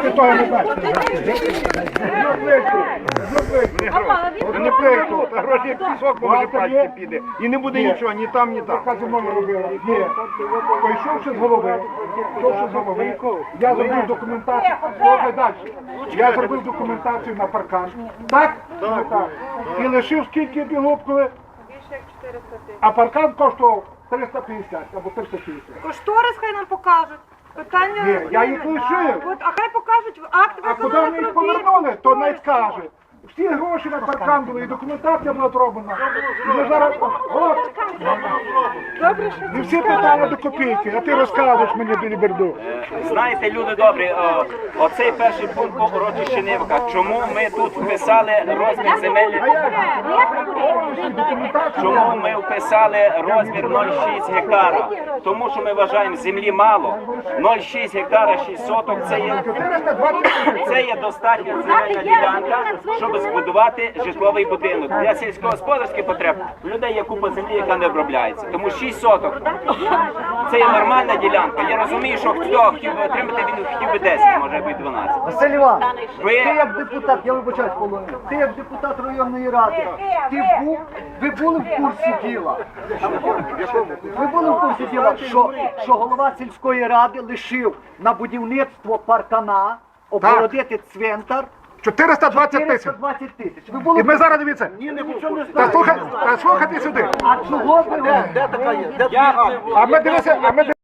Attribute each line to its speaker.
Speaker 1: ти того не бачиш. Не плейку, а гроші як пісок може пачки піде. І не буде нічого, ні там, ні там.
Speaker 2: Казино робила. Ні. Пойшовши з голови, я зробив документацію. Слухай далі. Я зробив документацію на паркан. Так? Так. І лишив скільки бігопкали?
Speaker 3: Більше як 400 тисяч.
Speaker 2: А паркан коштував 350 або 350.
Speaker 3: Кошторис хай нам покажуть. Питання...
Speaker 2: Ні, я їх лишив.
Speaker 3: От, а хай покажуть акт
Speaker 2: А куди
Speaker 3: виконаних
Speaker 2: ми їх
Speaker 3: робіт.
Speaker 2: повернули, то не скаже. Всі гроші на паркан були, і документація була зроблена. І ми зараз, от,
Speaker 3: Добре, що
Speaker 2: і всі питання до копійки, а ти розказуєш мені біліберду.
Speaker 4: Знаєте, люди добрі, оцей перший пункт по урочищенівках. Чому ми тут вписали розмір земельних... Чому ми вписали розмір 0,6 гектара? Тому що ми вважаємо, землі мало. 0,6 гектара, 6 соток це є достатня земельна ділянка, щоб збудувати житловий будинок. Для сільськогосподарських потреб у людей є купа землі, яка не обробляється. Тому 6 соток це є нормальна ділянка. Я розумію, що хто хотів би отримати, він хотів би 10, може би 12.
Speaker 5: Василь Іванович,
Speaker 4: Ви-
Speaker 5: ти як депутат, я вибачаюсь, Полонин, ти як депутат районної ради, ви були в курсі діла? Ви були в курсі діла, що голова сільської ради лишив на будівництво паркана, обгородити цвинтар
Speaker 2: 420 тисяч.
Speaker 5: 420 тисяч. Ви були
Speaker 2: І ми зараз дивіться. Та слухайте сюди.
Speaker 5: А чого ви?
Speaker 2: А ми дивися,